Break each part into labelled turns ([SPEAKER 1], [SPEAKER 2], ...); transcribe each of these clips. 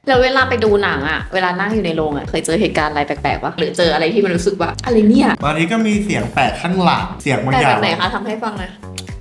[SPEAKER 1] แล้วเวลาไปดูหนังอะเวลานั่งอยู่ในโรงอะเคยเจอเหตุการณ์อะไรแปลกๆปะหรือเจออะไรที่มันรู้สึกว่าอะไรเนี่ย
[SPEAKER 2] บางทีก็มีเสียงแปลกข้างหลังเสียงบาง
[SPEAKER 1] แต่
[SPEAKER 2] อ
[SPEAKER 1] แบ
[SPEAKER 2] ย่าง
[SPEAKER 1] บไหนคะทำให้ฟังหน่อย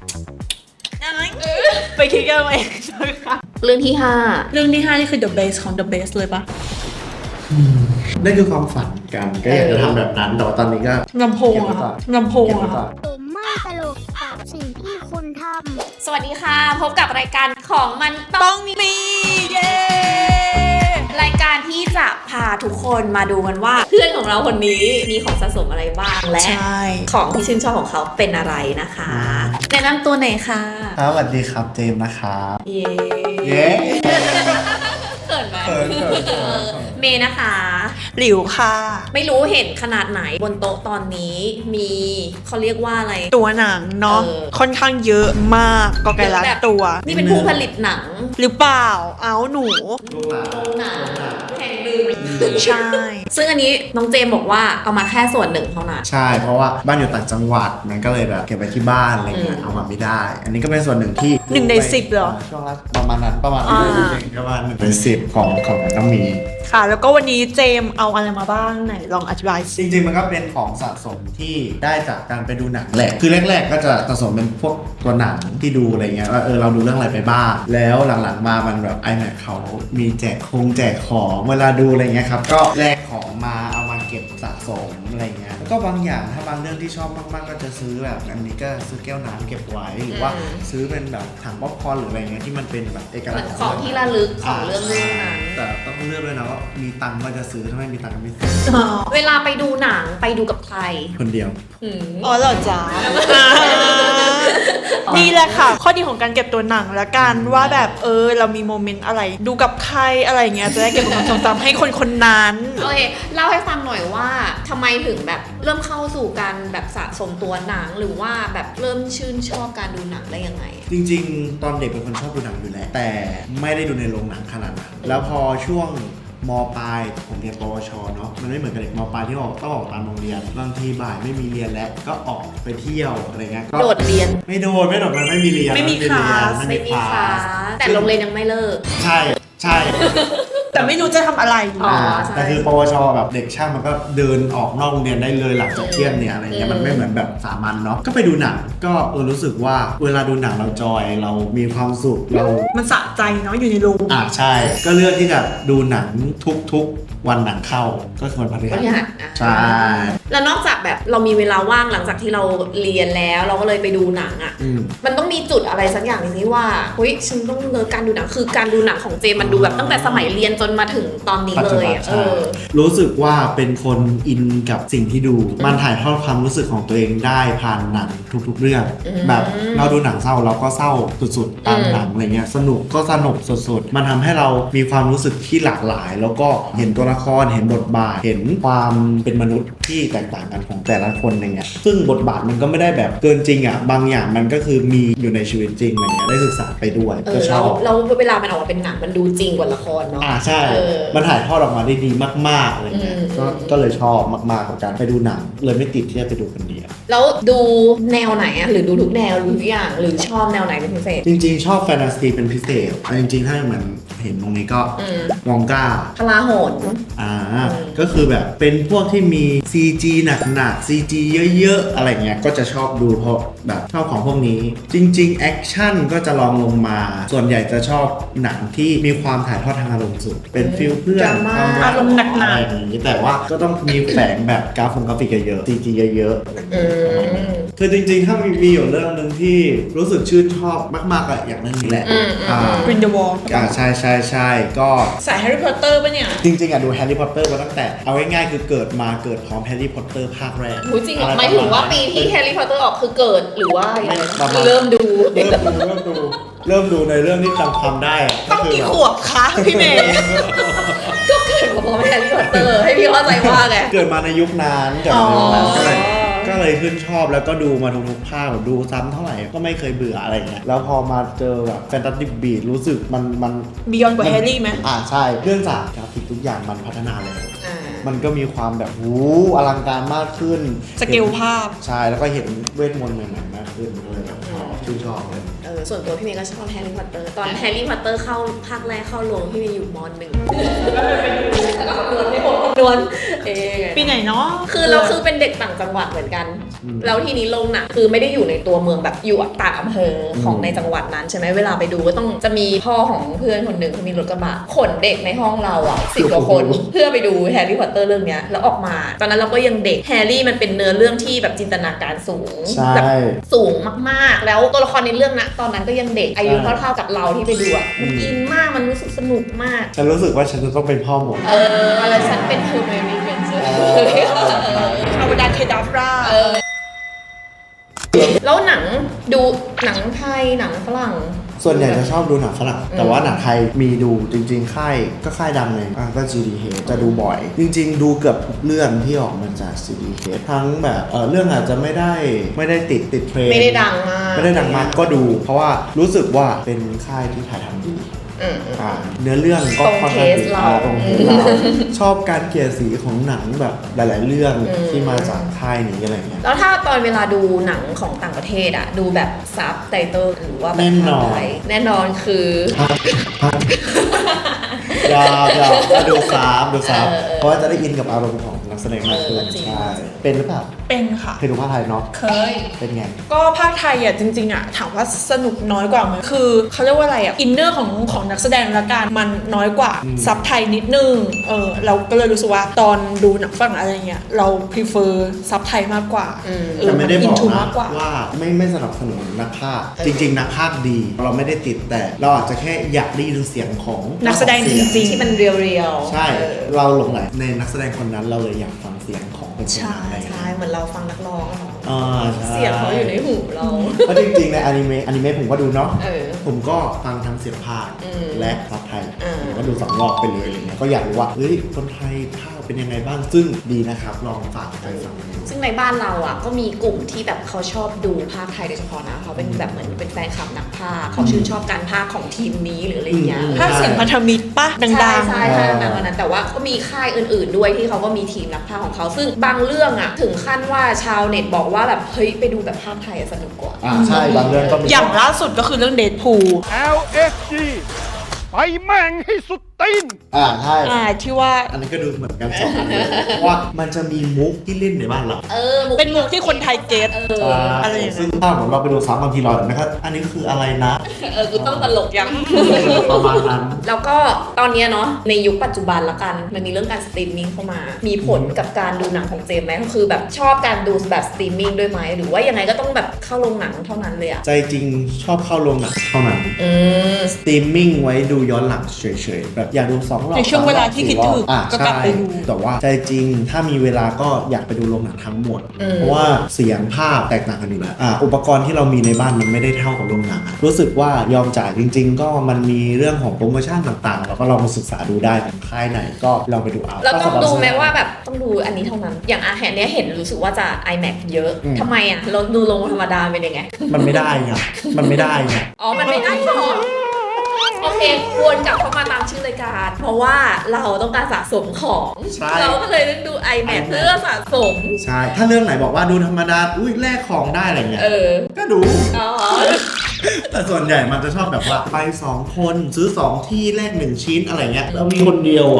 [SPEAKER 3] ไปคิดกันเองนะคะ
[SPEAKER 1] เรื่องที่ห้า
[SPEAKER 3] เรื่องที่ 5 นี่คือ the base ของ the base เลยปะ
[SPEAKER 2] นั่นคือความฝันกันก็อยากจะทำแบบนั้นแต่ว่าตอนนี้ก็
[SPEAKER 3] ลำโพง
[SPEAKER 2] เก็บไว้
[SPEAKER 3] อะ
[SPEAKER 2] ก่อน
[SPEAKER 3] ลำโพง
[SPEAKER 2] เก็บไว้
[SPEAKER 3] อะ
[SPEAKER 2] ก่อน
[SPEAKER 4] ผมไม่ตลกกับสิ่งที่คุณทำ
[SPEAKER 1] สวัสดีค่ะพบกับรายการของมันต้
[SPEAKER 3] ต้
[SPEAKER 1] อ
[SPEAKER 3] อง งมีเย้
[SPEAKER 1] รายการที่จะพาทุกคนมาดูกันว่าเพื่อนของเราคนนี้มีของสะสมอะไรบ้างและ
[SPEAKER 3] ใช่
[SPEAKER 1] ของที่ชื่นชอบของเขาเป็นอะไรนะคะแนะนำตัวหน่อยค่ะ
[SPEAKER 2] ครับสวัสดีครับเจมส์นะครับ
[SPEAKER 1] เย้
[SPEAKER 2] เย้
[SPEAKER 1] เขินไหม
[SPEAKER 2] เขิน
[SPEAKER 1] เมย์นะคะ
[SPEAKER 3] หลิวค่ะ
[SPEAKER 1] ไม่รู้เห็นขนาดไหนบนโต๊ะตอนนี้มีเขาเรียกว่าอะไร
[SPEAKER 3] ตัวหนังเนาะ
[SPEAKER 1] เออ
[SPEAKER 3] ค่อนข้างเยอะมากก็ไกลละ
[SPEAKER 1] แบบ
[SPEAKER 3] ตัว
[SPEAKER 1] นี่เป็นผู้ผลิตหนัง
[SPEAKER 3] หรือเปล่าเอาหนู
[SPEAKER 2] ลูกหลาน
[SPEAKER 1] โรงหนังแห่งหนึ่ง
[SPEAKER 3] ใช่
[SPEAKER 1] ซึ่งอันนี้น้องเจมบอกว่าเอามาแค่ส่วนหนึ่งเท่านั้น
[SPEAKER 2] ใช่เพราะว่าบ้านอยู่ต่างจังหวัดมันก็เลยแบบเก็บไว้ที่บ้านอะไรเงี้ย
[SPEAKER 1] อืม
[SPEAKER 2] เอามาไม่ได้ อันนี้ก็เป็นส่วนหนึ่งที่
[SPEAKER 3] 1 ใน 10เหรอ
[SPEAKER 2] ช่วงละประมาณนั้นประมาณ
[SPEAKER 3] อ่า
[SPEAKER 2] ประมาณ1 ใน 10ของมันต้องมี
[SPEAKER 3] ค่ะ แล้วก็วันนี้เจมเอาอะไรมาบ้างไหนลองอธิบาย
[SPEAKER 2] จ
[SPEAKER 3] สิ
[SPEAKER 2] ริงๆ มันก็เป็นของสะสมที่ได้จากการไปดูหนังแหละ คือแรกๆ ก็จะสะสมเป็นพวกตัวหนังที่ดูอะไรเงี้ยว่าเราดูเรื่องอะไรไปบ้าง แล้วหลังๆ มามันแบบ iMac เขามีแจกของเวลาดูอะไรเงี้ยครับ ก็แลกของมาเอามาเก็บสะสมอะไรเงี้ย แล้วก็บางอย่างถ้าบางเรื่องที่ชอบมากๆ ก็จะซื้อแบบอันนี้ก็ซื้อแก้วน้ำเก็บไว้ หรือว่าซื้อเป็นแบบถังป๊อปคอร์นหรืออะไรเงี้ยที่มันเป็นแบบเอก
[SPEAKER 1] เห
[SPEAKER 2] ลั
[SPEAKER 1] มื
[SPEAKER 2] ก
[SPEAKER 1] อน
[SPEAKER 2] ษณ์
[SPEAKER 1] ของที่ระลึกของเรื่องนั้น
[SPEAKER 2] แต่ต้องเลือกด้วยนะว่ามีตังค์ก็จะซื้อถ้าไม่มีตังค์ก็ไม่ซื้อ
[SPEAKER 1] เวลาไปดูหนังไปดูกับใคร
[SPEAKER 2] คนเดียว
[SPEAKER 1] อืม
[SPEAKER 3] อ๋อเหรอจ๊ะ นี่แหละค่ะ ข้อดีของการเก็บตัวหนังและกันว่าแบบเรามีโมเมนต์อะไร ดูกับใครอะไรเงี้ยจะได้เก็บเป็นความทรงจำให้คนคนนั้น
[SPEAKER 1] โอเคเล่าให้ฟังหน่อยว่าทำไมถึงแบบเริ่มเข้าสู่การแบบสะสมตัวหนังหรือว่าแบบเริ่มชื่นชอบการดูหนังได้ยังไง
[SPEAKER 2] จริงๆ ตอนเด็กเป็นคนชอบดูหนังอยู่แล้วแต่ไม่ได้ดูในโรงหนังขนาดนั้นแล้วพอช่วงมปลายผมเรียนปวชเนาะมันไม่เหมือนกับเด็กมปลายที่ต้องออกตามโรงเรียนบางทีบ่ายไม่มีเรียนแล้วก็ออกไปเที่ยวอะไรเงี้ยก็
[SPEAKER 1] โดดเรียน
[SPEAKER 2] ไม่โดดมันไม่มีเรียน
[SPEAKER 3] ไม่มี
[SPEAKER 2] นเรียน
[SPEAKER 3] คลาส
[SPEAKER 1] ไม่มีคลาสแต่โรงเรียนยังไม่เลิก
[SPEAKER 2] ใช่ใช่
[SPEAKER 3] แต่ไม่รู้จะทำอะไร
[SPEAKER 1] อ๋อใช่
[SPEAKER 2] แต่คือปวชแบบเด็กช่างมันก็เดินออกนอกโรงเรียนได้เลยหลังจากเที่ยงเนี่ยอะไรเงี้ยมันไม่เหมือนแบบสามัญเนาะก็ไปดูหนังก็รู้สึกว่าเวลาดูหนังเราจอยเรามีความสุขเรา
[SPEAKER 3] มันสะใจเนาะอยู่ในโรง
[SPEAKER 2] ใช่ ก็เลือกที่จะดูหนังทุกวันหนังเข้าก็คือวันพฤ
[SPEAKER 1] บ
[SPEAKER 2] หัส
[SPEAKER 1] ริหารอ่ะ
[SPEAKER 2] ใช่
[SPEAKER 1] แล้วนอกจากแบบเรามีเวลาว่างหลังจากที่เราเรียนแล้วเราก็เลยไปดูหนังอ่ะ
[SPEAKER 2] อืม
[SPEAKER 1] มันต้องมีจุดอะไรสักอย่างหนึงที่ว่าเฮ้ยฉันต้องเลิกการดูหนังคือการดูหนังของเจมันดูแบบตั้งแต่สมัยเรียนจนมาถึงตอนนี้
[SPEAKER 2] ปัจ
[SPEAKER 1] เล
[SPEAKER 2] จุ
[SPEAKER 1] ย
[SPEAKER 2] บัน
[SPEAKER 1] อะ
[SPEAKER 2] ใช่รู้สึกว่าเป็นคนอินกับสิ่งที่ดู มันถ่ายทอดความรู้สึกของตัวเองได้ผ่านหนังทุกๆเรื่อง แบบเราดูหนังเศร้าเราก็เศร้าสุดๆตามหนังอะไรเงี้ยสนุกก็สนุกสุดๆมันทำให้เรามีความรู้สึกที่หลากหลาย แล้วก็เห็นตัวละครเห็นบทบาทเห็นความเป็นมนุษย์ที่แตกต่างกันของแต่ละคนอะไรเงี้ยซึ่งบทบาทมันก็ไม่ได้แบบเกินจริงอ่ะบางอย่างมันก็คือมีอยู่ในชีวิตจริงอะไรเงี้ยได้ศึกษาไปด้วยก็ช
[SPEAKER 1] เรา
[SPEAKER 2] อบ
[SPEAKER 1] เราเวลามันออกมาเป็นหนังมันดูจริงกว่าละครเนาะ
[SPEAKER 2] ใช่
[SPEAKER 1] เออ
[SPEAKER 2] มันถ่ายทอดออกมาได้ดีมากๆอะไรเงี้ย
[SPEAKER 1] อืม
[SPEAKER 2] ก็เลยชอบมากๆกับการไปดูหนัง เลยไม่ติดที่จะไปดูคนเดียว
[SPEAKER 1] แล้วดูแนวไหนอะหรือดูทุกแนวดูทุกอย่างหรือชอบแนวไหนเป็นพิเศษ
[SPEAKER 2] จริงๆ ชอบแฟนตาซีเป็นพิเศษจริงๆ ถ้าเหมือนเห็นตรงนี้ก็
[SPEAKER 1] อืม
[SPEAKER 2] วองก้า
[SPEAKER 1] พลาโหน
[SPEAKER 2] ก็คือแบบเป็นพวกที่มี CG หนักๆ CG เยอะๆ อะไรเงี้ยก็จะชอบดูเพราะแบบชอบของพวกนี้ จริงๆ แอคชั่นก็จะลองลงมา ส่วนใหญ่จะชอบหนังที่มีความถ่ายทอดทางอารมณ์สูงเป็นฟิลเพื่อนความรัก
[SPEAKER 3] อารมณ์หนัก
[SPEAKER 2] อะไรอย่างนี้แต่ว่าก็ต้องมีแฝงแบบกราฟิกเยอะๆ CG เยอะๆอะไรอย่าง
[SPEAKER 1] อื
[SPEAKER 2] เงี้ย
[SPEAKER 1] ม
[SPEAKER 2] คือจริงๆ ถ้ามีอยู่เรื่องหนึ่งที่รู้สึกชื่นชอบมากๆอะอย่างเรื่องนี้แหละ
[SPEAKER 3] กรินเดวอล
[SPEAKER 2] ใช่ก็
[SPEAKER 3] สายแฮร์รี่พอตเตอร์ปะเนี่ย
[SPEAKER 2] จริงๆอะดูแฮร์รี่พอตเตอร์มาตั้งแต่เอาง่ายๆคือเกิดพร้อมแฮร์รี่พอตเตอร์ภาคแรก
[SPEAKER 1] หูจริงเหรอ
[SPEAKER 2] อะ
[SPEAKER 1] หมายถึงว่าปีที่แฮร์รี่พอตเตอร์ออกคือเกิดหรือว่ายังไง
[SPEAKER 2] ประมาณ
[SPEAKER 1] เริ่มดู
[SPEAKER 2] เริ่มดูในเรื่องที่จำความได้ะ
[SPEAKER 3] ต้อง
[SPEAKER 2] คื
[SPEAKER 3] กี่
[SPEAKER 2] แบบ
[SPEAKER 3] ขวบคะพี่เมย์
[SPEAKER 1] ก็เกิดมาพร้อมแฮร์รี่พอตเตอร์ให้พี่เข้าใจว่าไง
[SPEAKER 2] เกิดมาในยุคนั้นก็เลยชื่นชอบแล้วก็ดูมาทุกๆภาคแบบดูซ้ำเท่าไหร่ก็ไม่เคยเบื่ออะไรเงี้ยแล้วพอมาเจอแบบแฟนตาซีบีทรู้สึกมัน
[SPEAKER 3] บียอนกว่าแฮร์รี่ไหม
[SPEAKER 2] ใช่เรื่องจากกราฟิกทุกอย่างมันพัฒนาแล้ว
[SPEAKER 1] อ่า
[SPEAKER 2] มันก็มีความแบบอลังการมากขึ้น
[SPEAKER 3] สเกลภาพ
[SPEAKER 2] ใช่แล้วก็เห็นเวทมนต์ใหม่ๆมากขึ้นก็เลยแบบชอบชื่นชอบเลย
[SPEAKER 1] ส่วนตัวพี่เมย์ก็ชอบแฮร์รี่พอตเตอร์ตอนแฮร์รี่พอตเตอร์เข้าภาคแรกเข้าโรงพี่เมย์อยู่ม.1แล้วก็คำนวณไม่หมดคำนวณ
[SPEAKER 3] ปีไหนเนาะ
[SPEAKER 1] คือเราคือเป็นเด็กต่างจังหวัดเหมือนกันแล้วทีนี้โรงหนังคือไม่ได้อยู่ในตัวเมืองแบบอยู่ต่างอำเภอของในจังหวัดนั้นใช่ไหมเวลาไปดูก็ต้องจะมีพ่อของเพื่อนคนหนึ่งเขามีรถกระบะขนเด็กในห้องเราอ่ะ10 กว่าคนเพื่อไปดูแฮร์รี่พอตเตอร์เรื่องเนี้ยแล้วออกมาตอนนั้นเราก็ยังเด็กแฮร์รี่มันเป็นเนื้อเรื่องที่แบบจินตนาการสูงแบบสูงมากๆแล้วตัวละครในเรื่องนะตอนนั้นก็ยังเด็กอายุเท่าๆกับเราที่ไปดูอ่ะมันอินมากมันรู้สึกสนุกมาก
[SPEAKER 2] ฉันรู้สึกว่าฉันจะต้องเป็นพ่อหมด
[SPEAKER 1] อะไรฉันเป็นเฮอร์ไมโอนี่เวนเจอร์
[SPEAKER 3] เอาดาเคดาฟรา
[SPEAKER 1] แล้วหนังดูหนังไทยหนังฝรั่ง
[SPEAKER 2] ส่วนใหญ่จะชอบดูหนังฝรั่งแต่ว่าหนังไทยมีดูจริงๆค่ายก็ค่ายดังเลยก็ GDH จะดูบ่อยจริงๆดูเกือบทุกเรื่องที่ออกมาจาก GDH ทั้งแบบเรื่องอาจจะไม่ได้ติดเทรนด์
[SPEAKER 1] ไม่ได้ดังมาก
[SPEAKER 2] ก็ดูเพราะว่ารู้สึกว่าเป็นค่ายที่ถ่ายทำดีเนื้อเรื่องก็ค่อนข้างดีตรงเทสเราชอบการเกลี่ยสีของหนังแบบหลายๆเรื่องที่มาจากค่ายนี้อะไรเงี้ย
[SPEAKER 1] แล้วถ้าตอนเวลาดูหนังของต่างประเทศอะดูแบบซับไตเติลหรือว่าแบบแน่นอนคือ
[SPEAKER 2] อย่าดูซ้ำเพราะว่าจะได้อินกับอารมณ์ของนักแสดงมากขึ้นใช่เป็นหรือเปล่า
[SPEAKER 3] เป็นค่ะ
[SPEAKER 2] เคยดูภาคไทยเนาะ
[SPEAKER 3] เคย
[SPEAKER 2] เป็นไง
[SPEAKER 3] ก็ภาคไทยอ่ะจริงๆอ่ะถามว่าสนุกน้อยกว่ามั้ยคือเขาเรียกว่าอะไรอ่ะอินเนอร์ของนักแสดงละกันมันน้อยกว่าซับไทยนิดนึงเราก็เลยรู้สึกว่าตอนดูหนังฝรั่งอะไรเงี้ยเรา prefer ซับไทยมากกว่า
[SPEAKER 2] แต่ไม่ได้บอกนะว่าไม่สนับสนุนนักพากย์จริงๆนักพากย์ดีเราไม่ได้ติดแต่เราอาจจะแค่อยากได้ยินเสียงของ
[SPEAKER 3] นักแสดงจริงๆ
[SPEAKER 1] ที่มันเรียว
[SPEAKER 2] ๆใช่เราหลงไหลในนักแสดงคนนั้นเราเลยอยากฟังเสียงของเป็นคนนั้น
[SPEAKER 1] ใช่เหมือนเราฟังนักร้อง
[SPEAKER 2] เ
[SPEAKER 1] สียงเขาอยู่ในหูเรา
[SPEAKER 2] เพราะจริงๆในอนิเมะผมก็ดูเนาะผมก็ฟังทั้งเสียงพากย์และซับไทยผมก็ดู2 รอบไปเลยอะไรเงี้ยก็อยากรู้ว่าเฮ้ยคนไทยพากย์เป็นยังไงบ้างซึ่งดีนะครับลองฝากไปฟัง
[SPEAKER 1] ซึ่งในบ้านเราอ่ะก็มีกลุ่มที่แบบเขาชอบดูภาคไทยโดยเฉพาะนะเขาเป็นแบบเหมือนเป็นแฟนคลับนักพากย์เขาชื่นชอบการพากย์ของทีมนี้หรืออะไรเงี้ย
[SPEAKER 3] ภาคเสียงพันธมิตรปะดังๆ
[SPEAKER 1] ใช่ดังๆนั้นแต่ว่าก็มีค่ายอื่นๆด้วยที่เขาก็มีทีมนักพากย์ของเขาซึ่งบางเรื่องอ่ะถึงขั้นว่าชาวเน็ตบอกว่าแบบเฮ้ยไปดูแบบภาคไทยสนุกกว่า
[SPEAKER 2] ใช่บางเรื่องก็มี
[SPEAKER 3] อย่างล่าสุดก็คือเรื่องเดดพูล
[SPEAKER 5] LSG ไปแม่งให้สุดตีน
[SPEAKER 2] ใช่
[SPEAKER 3] ที่ว่า
[SPEAKER 2] อันนี้ก็ดูเหมือนกัน2 อันเลยเพราะว่ามันจะมีมุกที่เล่นในบ้านเรา
[SPEAKER 3] เป็นมุกที่คนไทยเก็ต
[SPEAKER 2] อะไรอย่างเงี้ยซึ่งถ้าผมเราไปดูซ้ำบางทีเราเห็นไหมครับอันนี้คืออะไรนะ
[SPEAKER 1] กูต้องตลกยัง
[SPEAKER 2] ประมาณนั้น
[SPEAKER 1] แล้วก็ตอนนี้เนาะในยุคปัจจุบันละกันมันมีเรื่องการสตรีมมิ่งเข้ามามีผลกับการดูหนังของเจมไหมก็คือแบบชอบการดูแบบสตรีมมิ่งด้วยไหมหรือว่ายังไงก็ต้องแบบเข้าโรงหนังเท่านั้นเลยอะ
[SPEAKER 2] ใจจริงชอบเข้าโรงหนังเท่านั้นสตรีมมิ่งไว้ดูย้อนหลังเฉยๆแบบอยากดู2 รอบ
[SPEAKER 3] ในช่วงเวลาที่คิดถึงก็กลับไปดู
[SPEAKER 2] แต่ว่าใจจริงถ้ามีเวลาก็อยากไปดูโรงหนังทั้งหมดเพราะว่าเสียงภาพแตกต่างกันอยู่แล้วอุปกรณ์ที่เรามีในบ้านมันไม่ได้เท่ากับโรงหนังรู้สึกว่ายอมจ่ายจริงๆก็มันมีเรื่องของโปรโมชั่นต่างๆแล้วก็ลองมาศึกษาดูได้ของค่ายไหนก็ลองไปดูเอา
[SPEAKER 1] เราต้องดูไหมว่าแบบต้องดูอันนี้เท่านั้นอย่างแห่งนี้เห็นรู้สึกว่าจะ iMac เยอะทำไมเราดูโรงธรรมดาเป็นยังไง
[SPEAKER 2] มันไม่ได้ไงมันไม่ได้ไง
[SPEAKER 1] มันไม่ได้หรอโอเควนกลับเข้ามาตามชื่อรายการเพราะว่าเราต้องการสะสมของเราก็เลยต้องดู iMac เพื่อสะสม
[SPEAKER 2] ใช่ถ้าเรื่องไหนบอกว่าดูธรรมดาแลกของได้อะไรเงี้ยก็ดูแต่ส่วนใหญ่มันจะชอบแบบว่าไป2 คนซื้อ2 ที่แลก1 ชิ้นอะไรเงี้ยเรามีคนเดียว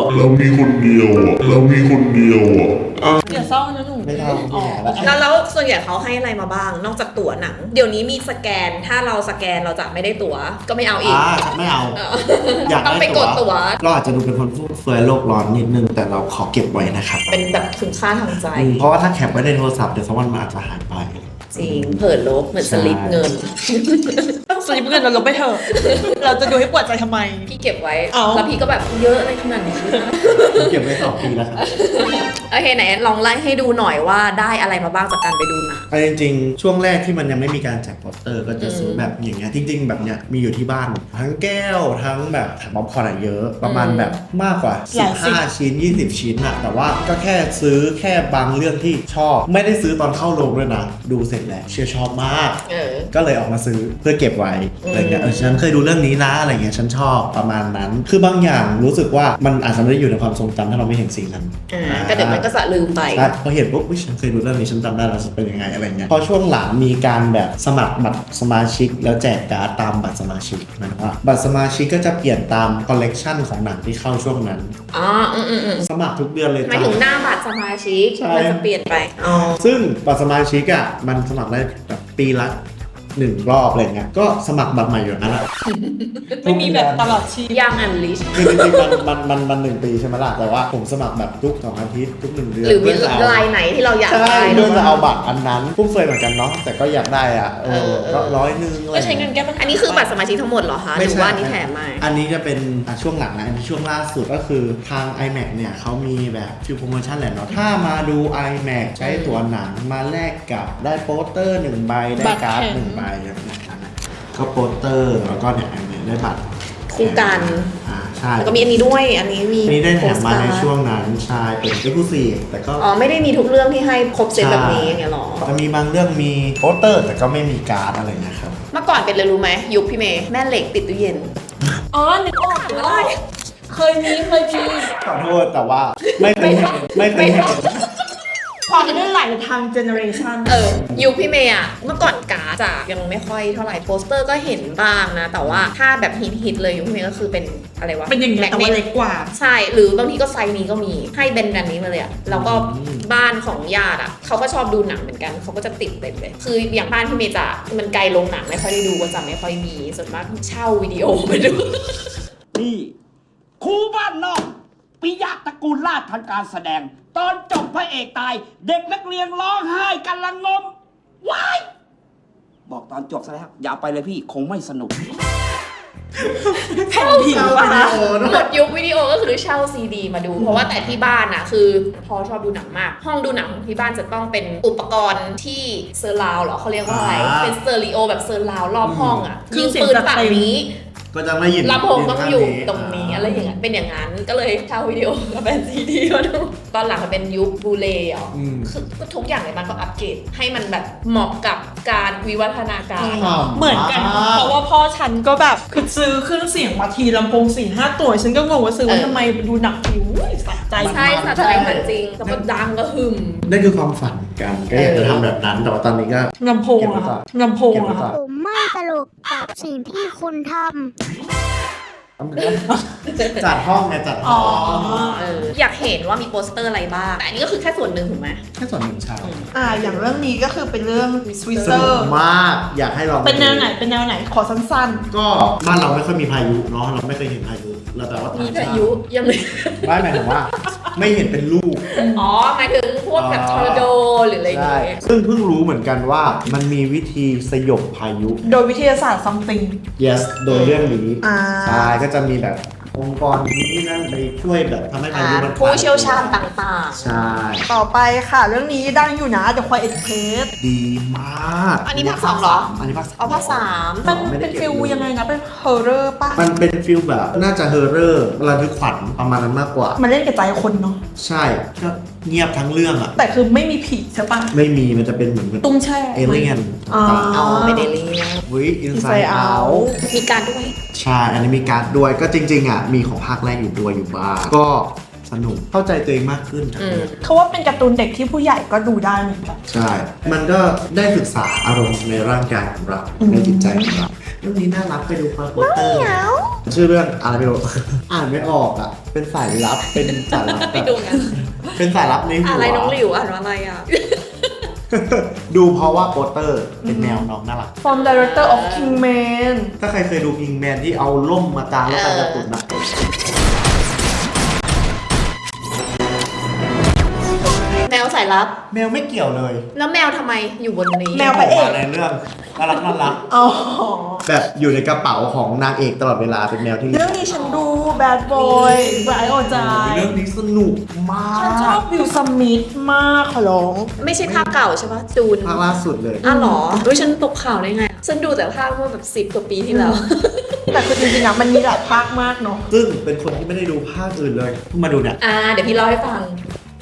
[SPEAKER 3] อย่าเศร้านะหนู
[SPEAKER 2] ไม่เท่า
[SPEAKER 1] แล้วส่วนใหญ่เขาให้อะไรมาบ้างนอกจากตั๋วหนังเดี๋ยวนี้มีสแกนถ้าเราสแกนเราจะไม่ได้ตั๋วก็ไม่เอาอีก
[SPEAKER 2] ไม่เอา
[SPEAKER 1] อยากต้องไปกดตั๋ว
[SPEAKER 2] เราอาจจะดูเป็นคนฟุ่มเฟือยโลกร้อนนิดนึงแต่เราขอเก็บไว้นะครับ
[SPEAKER 1] เป็นแบบคุณค่าทางใจ
[SPEAKER 2] เพราะว่าถ้าแคปไว้ในโทรศัพท์เดี๋ยวสักวันมันอาจจะหายไป
[SPEAKER 1] จริงเผิดลบเหมือนสลิปเงิน
[SPEAKER 3] สลิปเงินเราลบไปเถอะเราจะดูให้ปวดใจทำไม
[SPEAKER 1] พี่เก็บไว้แล้วพี่ก็แบบเยอะอะไรขนาดนี้
[SPEAKER 2] เก็บไว้2 ปีแล้วครับ
[SPEAKER 1] โอเคไหนลองไล่ให้ดูหน่อยว่าได้อะไรมาบ้างจากการไปดูหนัง
[SPEAKER 2] จริงๆช่วงแรกที่มันยังไม่มีการแจกโปสเตอร์ก็จะซื้อแบบอย่างเงี้ยจริงๆแบบเนี้ยมีอยู่ที่บ้านทั้งแก้วทั้งแบบถังป๊อปคอร์นเยอะประมาณแบบมากกว่า15 ชิ้น20 ชิ้นอะแต่ว่าก็แค่ซื้อแค่บางเรื่องที่ชอบไม่ได้ซื้อตอนเข้าโรงด้วยนะดูเสร็จแล้วชอบมากก็เลยออกมาซื้อเพื่อเก็บไว้อะไรเงี้ยฉันเคยดูเรื่องนี้นะอะไรเงี้ยฉันชอบประมาณนั้น คือบางอย่างรู้สึกว่ามันอาจจะไม่ได้อยู่ในความทรงจำถ้าเราไม่เห็นสิ่งนั้น
[SPEAKER 1] ก็เดี๋ยวมันก็สะลืมไป
[SPEAKER 2] ใช่พอเห็นปุ๊บฉันเคยดูเรื่องนี้ฉันจำได้แล้วจะเป็นยังไงอะไรเงี้ยพอช่วงหลังมีการแบบสมัครบัตรสมาชิกแล้วแจกการ์ดตามบัตรสมาชิกหมายถึงว่าบัตรสมาชิกก็จะเปลี่ยนตามคอลเลกชันของหนังที่เข้าช่วงนั้น
[SPEAKER 1] อ๋อ
[SPEAKER 2] สมัครทุกเดือนเลย
[SPEAKER 1] หมาย
[SPEAKER 2] จ้ะ
[SPEAKER 1] ถึงหน้าบัตรสมาชิก
[SPEAKER 2] ใช่
[SPEAKER 1] มันจะเปลี่ยนไปอ๋อ
[SPEAKER 2] ซึ่งบัตรสมาชิกอ่ะมันสมัครได้แบบปีละ1 รอบอะไรเงี้ยก็สมัครบัตรใหม่อยู่อย่างนั้นแหละ
[SPEAKER 3] ไม่มีแบบตลอดชีพ
[SPEAKER 1] ยังอันลิช
[SPEAKER 2] คือจริงๆมัน1 ปีใช่ไหมล่ะแต่ว่าผมสมัครแบบทุก2 อาทิตย์ทุก1 เดือน
[SPEAKER 1] หรือมี
[SPEAKER 2] เพื่จะ
[SPEAKER 1] ลายไหนที่เราอยาก
[SPEAKER 2] ใช่
[SPEAKER 1] ได้
[SPEAKER 2] เพื่อจะเอาบัตรอันนั้นพุ่มเฟยเหมือนกันเนาะแต่ก็อยากได้อ่ะก็100อะไร
[SPEAKER 3] ก็ใช้เงินแก้ปัญหา
[SPEAKER 1] อันนี้คือบัตรสมาชิกทั้งหมดเหรอคะห
[SPEAKER 2] ไม่
[SPEAKER 1] รือ
[SPEAKER 2] ใช่
[SPEAKER 1] ว่านี่แถมมา
[SPEAKER 2] อันนี้จะเป็นช่วงหลังนะอันนี้ช่วงล่าสุดก็คือทาง iMac เนี่ยเขามีแบบฟิลโปรโมชั่นแหละเนาะถ้ามาดู iMac ใช้ตั๋วหนังมาแลกกับได้โปสเตอร์1 ใบได้การ์ด1 ใบแบบนี้ก็โปสเตอร์แล้วก็เนี่ยได้บัตร
[SPEAKER 1] คู่กัน
[SPEAKER 2] ใช่
[SPEAKER 1] แล้วก็มีอันนี้ด้วยอันนี้มี
[SPEAKER 2] อันนี้ได้แถมมาใน
[SPEAKER 1] โปสการ์ด
[SPEAKER 2] ช่วงนั้นใช่เป็น Exclusive แต่ก็
[SPEAKER 1] อ๋อไม่ได้มีทุกเรื่องที่ให้ครบเซตแบบนี้อย่างเงี้ยหรอ
[SPEAKER 2] จะมีบางเรื่องมีโปสเตอร์แต่ก็ไม่มีการ์ดอะไรนะครับ
[SPEAKER 1] เมื่อก่อนเป็นเลยรู้ไหมยุคพี่เมย์แม่เหล็กติดตู้เย็น
[SPEAKER 3] อ๋อนึกออกเคยมี
[SPEAKER 2] ขอโทษแต่ว่าไม่เคยเห็นไม่เคยเห็น
[SPEAKER 3] ความเลื่อนไหลทางเจเนอเรชัน
[SPEAKER 1] ยุคพี่เมย์อะเมื่อก่อนการ์ดอะยังไม่ค่อยเท่าไหร่โปสเตอร์ก็เห็นบ้างนะ แต่ว่าถ้าแบบฮิตเลยยุคพี่เมย์ก็คือเป็นอะไรวะ
[SPEAKER 3] เป็นอย่างเงี้ยแต่ว่าเล็กกว่า
[SPEAKER 1] ใช่หรือบางทีก็ไซส์นี้ก็มีให้แบนนี้มาเลยอะแล้วก็บ้านของญาติอะเขาก็ชอบดูหนังเหมือนกันเขาก็จะติดเต็มเลยคืออย่างบ้านพี่เมย์จะมันไกลโรงหนังไม่ค่อยได้ดูก็จะไม่ค่อยมีส่วนมากเช่าวิดีโอไปดู
[SPEAKER 6] นี่ครูบ้านนอกปิยะตระกูลราชทันการแสดง ตอนจบพระเอกตาย เด็กนักเรียนร้องไห้กันละงมว้ายบอกตอนจบซะแล้วอย่าไปเลยพี่คงไม่สนุก
[SPEAKER 3] แผ่นผิวอะนะ
[SPEAKER 1] หมดยุควิดีโอก็คือเช่าซีดีมาดู เพราะว่าแต่ที่บ้านอะคือพอชอบดูหนังมาก ห้องดูหนังของที่บ้านจะต้องเป็นอุปกรณ์ที่เซอร์ราวเหรอเขาเรียกว่าอะไรเป็นสเตอริโอแบบเซอร์ราวรอบห้องอะยิงปืนฝั่งนี้
[SPEAKER 2] ก็จะไม่หยิบ
[SPEAKER 1] ลำโพงต้องอยู่ตรงนี้อะไรอย่างเงี้ยเป็นอย่างนั้นก็เลยเช่าวิดีโอกับเป็นซีดีมาดูตอนหลังมันเป็นยุคบูเลย์คือก็ทุกอย่างในบ้านก็อัปเกรดให้มันแบบเหมาะกับการวิวัฒนาการ
[SPEAKER 3] เหมือนกัน เพราะว่าพ่อฉันก็แบบคือซื้อเครื่องเสียงมาทีลำโพง4-5 ตัว ฉันก็งงว่าซื้อว่าทำไมดูหนักผิวสะใจ
[SPEAKER 1] ใช่สะใจเหมือนจริงแต่ก็ดังก็หึม
[SPEAKER 2] นั่นคือความฝันกันก็อยากจะทำแบบนั้นแต่ว่าตอนนี้ก็
[SPEAKER 3] ลำโพงอะค่ะลำโพง
[SPEAKER 2] เก็บไว้
[SPEAKER 3] อะ
[SPEAKER 2] ก่อ
[SPEAKER 3] ค่ะ
[SPEAKER 2] น
[SPEAKER 4] ผมไม่ตลกกับสิ่งที่คุณทำ
[SPEAKER 2] จัดห้องไงจัดห้อง
[SPEAKER 1] อยากเห็นว่ามีโปสเตอร์อะไรบ้างแต่อันนี้ก็คือแค่ส่วนหนึ่งถูกไหม
[SPEAKER 2] แค่ส่วนหนึ่งใช่
[SPEAKER 3] อย่างเรื่องนี้ก็คือเป็นเรื่องสวิต
[SPEAKER 2] ส
[SPEAKER 3] เซอ
[SPEAKER 2] นุก
[SPEAKER 3] ร์
[SPEAKER 2] มากอยากให้ลอง
[SPEAKER 3] เป็นแนวไหนขอสั้น
[SPEAKER 2] ก็บ้านเราไม่ค่อยมีพายุเนาะเราไม่เคยเห็นพายุเราแต่ว่า
[SPEAKER 1] มี
[SPEAKER 2] ต่างช
[SPEAKER 1] พา
[SPEAKER 2] ติ
[SPEAKER 1] ยุยังไม่
[SPEAKER 2] ไม่หมายถึงว่า ไม่เห็นเป็นลูก
[SPEAKER 1] อ๋อหมายถึงพวกแบบทอร์นาโดหรืออะไรอย่าง
[SPEAKER 2] ใช่
[SPEAKER 1] เงี้ย
[SPEAKER 2] ซึ่งเพิ่งรู้เหมือนกันว่ามันมีวิธีสยบพายุ
[SPEAKER 3] ๆ โดยวิทยาศาสตร์ something
[SPEAKER 2] yes โดยเรื่องนี้
[SPEAKER 3] ใช่
[SPEAKER 2] ใช่ก็จะมีแบบองค์กรนี้นั่นไปช่วยแบบทำให้พายุมัน
[SPEAKER 1] ผู้เชี่ยวชาญต่าง
[SPEAKER 2] ใช่
[SPEAKER 3] ต่อไปค่ะ เรื่องนี้ดังอยู่นะ The Quiet Place
[SPEAKER 2] ดีมาก
[SPEAKER 1] ๆอันนี้ภาค 2เหรอ
[SPEAKER 2] อันนี้ภาค
[SPEAKER 1] เอาภาค 3
[SPEAKER 3] มันเป็นฟิลยังไงนะ เป็นฮอร์เรอร์ป่ะ
[SPEAKER 2] มันเป็นฟิลแบบน่าจะเฮอร์เรอร์ระทึกขวัญประมาณนั้นมากกว่า
[SPEAKER 3] มันเล่นกับใจคนเนาะ
[SPEAKER 2] ใช่ก็เงียบทั้งเรื่องอ่ะ
[SPEAKER 3] แต่คือไม่มีผีใช่ป่ะ
[SPEAKER 2] ไม่มีมันจะเป็นเหมือน
[SPEAKER 3] ตุ้งแช่
[SPEAKER 2] เอเลี่ยน
[SPEAKER 3] อ๋อ
[SPEAKER 1] เอาไม่ได้เรียน
[SPEAKER 2] วิอินไซ
[SPEAKER 3] Inside
[SPEAKER 2] ด์เอา
[SPEAKER 3] Out
[SPEAKER 1] มีการด้วย
[SPEAKER 2] ใช่ อันนี้มีการ์ดด้วยก็จริงๆอ่ะมีของภาคแรกอยู่ด้วยอยู่บ้างก็สนุกเข้าใจตัวเองมากขึ้นจากเดิม
[SPEAKER 3] เขาว่าเป็นการ์ตูนเด็กที่ผู้ใหญ่ก็ดูได้เหมือนกัน
[SPEAKER 2] ใช่ มันก็ได้ศึกษาอารมณ์ในร่างกายของเราในจิตใจของเราเรื่องนี้น่ารักไปดูความโปสเตอร์ชื่อเรื่องอะไรไม่รู้ อ่านไม่ออกอ่ะ เป็นสายลับเป็นสายลับ
[SPEAKER 1] ไปดูกัน
[SPEAKER 2] เป็นสายลับในหัว
[SPEAKER 1] อะไรน้องหลิวอ่านว่าอะไรอ่ะ
[SPEAKER 2] ดูเพราะว่าโปสเตอร์เป็นแนวน้องน่ารัก
[SPEAKER 3] From Director of Kingman
[SPEAKER 2] ถ้าใครเคยดูพิงแมนที่เอาล่มมากางแล้วกันจะตุนนะ
[SPEAKER 1] แมวสายลับ
[SPEAKER 2] แมวไม่เกี่ยวเลย
[SPEAKER 1] แล้วแมวทำไมอยู่บนนี้
[SPEAKER 3] แมวพระเอก
[SPEAKER 2] ในเรื่องน่ารักน่ารัก
[SPEAKER 3] อ๋อ
[SPEAKER 2] แบบอยู่ในกระเป๋าของนางเอกตลอดเวลาเป็นแมวที่
[SPEAKER 3] เรื่องนี้ฉันดู Bad Boy ไบรท์โอจา
[SPEAKER 2] เรื่องนี้สนุกมาก
[SPEAKER 3] ฉันชอบวิลสมิธมากขอร้อง
[SPEAKER 1] ไม่ใช่ภาคเก่าใช่ปะจูน
[SPEAKER 2] ภาคล่าสุดเลย
[SPEAKER 1] อ้าวเหรอเฮ้ยฉันตกข่าวได้ไงฉันดูแต่ภาคเมื่อแบบ10 กว่าปีที่แล้ว
[SPEAKER 3] แต่คือจริงๆอะมันมีหลายภาคมากเนาะ
[SPEAKER 2] ซึ่งเป็นคนที่ไม่ได้ดูภาคอื่นเลยเพิ่งมาดูเนี่ย
[SPEAKER 1] เดี๋ยวพี่เล่าให้ฟัง